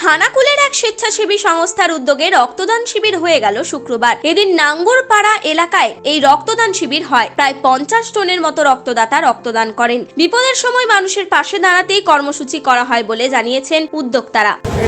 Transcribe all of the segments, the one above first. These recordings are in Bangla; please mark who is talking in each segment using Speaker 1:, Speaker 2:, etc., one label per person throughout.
Speaker 1: খানাকুলের এক স্বেচ্ছাসেবী সংস্থার উদ্যোগে রক্তদান শিবির হয়ে গেল শুক্রবার। এদিন নাঙ্গরপাড়া এলাকায় এই রক্তদান শিবির হয়। প্রায় 50 টনের মতো রক্তদাতা রক্তদান করেন। বিপদের সময় মানুষের পাশে দাঁড়াতেই কর্মসূচি করা হয় বলে জানিয়েছেন উদ্যোক্তারা।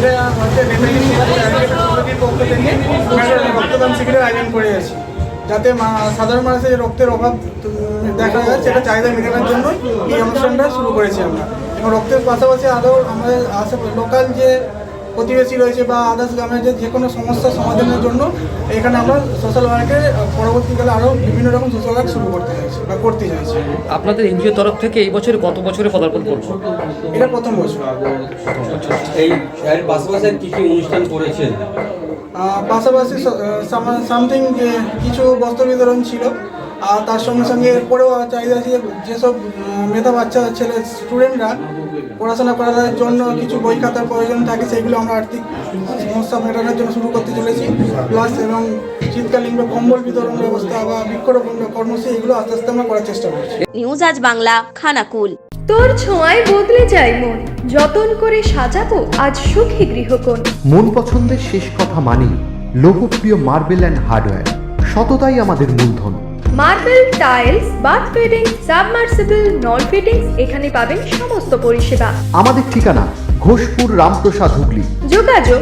Speaker 2: রক্তদান শিবিরের আয়োজন করে আছি, যাতে সাধারণ মানুষের রক্তের অভাব দেখা যায় সেটা চাহিদা মেটানোর জন্য এই অনুষ্ঠানটা শুরু করেছি আমরা। এবং রক্তের পাশাপাশি আরও আমাদের লোকাল যে প্রতিবেশী রয়েছে বা আদার্স গ্রামের যে কোনো সমস্যার সমাধানের জন্য এখানে আমরা সোশ্যাল ওয়ার্কের পরবর্তীকালে আরও বিভিন্ন রকম সোশ্যাল ওয়ার্ক শুরু করতে চাইছি বা করতে চাইছি।
Speaker 3: আপনাদের এনজিও তরফ থেকে এই বছরে কত বছরে পদার্পণ করবো?
Speaker 2: এটা প্রথম বছর।
Speaker 4: এই এর পাশাপাশি কী কী অনুষ্ঠান করেছেন?
Speaker 2: পাশাপাশি সামথিং যে কিছু বস্ত্র বিতরণ ছিল, আর তার সঙ্গে সঙ্গে এরপরেও চাহিদা আছে যেসব মেধা বাচ্চা ছেলে স্টুডেন্টরা পড়াশোনা করার জন্য কিছু বই খাতার প্রয়োজন থাকে, সেগুলো আমরা আর্থিক সমস্যা মেটানোর জন্য শুরু করতে চলেছি। প্লাস এবং শীতকালীন বা কম্বল বিতরণ ব্যবস্থা বা বৃক্ষরোপণ কর্মসূচি এগুলো আস্তে আস্তে আমরা করার চেষ্টা করছি।
Speaker 1: নিউজ আজ বাংলা, খানাকুল।
Speaker 5: তোর ছোঁয়ায় বদলে যায় মন, যতন করে সাজাবো আজ সুখী গৃহকোণ।
Speaker 6: মন পছন্দের শেষ কথা মানি লোকপ্রিয় মার্বেল অ্যান্ড হার্ডওয়্যার, সততাই আমাদের মূলধন।
Speaker 5: Marble, tiles, bath fitting, submersible, নল ফিটিং, এখানে পাবেন সমস্ত পরিষেবা।
Speaker 6: আমাদের ঠিকানা ঘোষপুর, রামপ্রসাদ, হুগলি।
Speaker 5: যোগাযোগ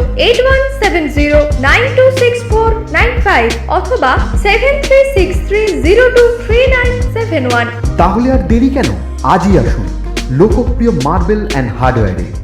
Speaker 5: 8170926495 অথবা 7363023971।
Speaker 6: তাহলে আর দেরি কেন, আজই আসুন লোকপ্রিয় মার্বেল অ্যান্ড হার্ডওয়্যারে।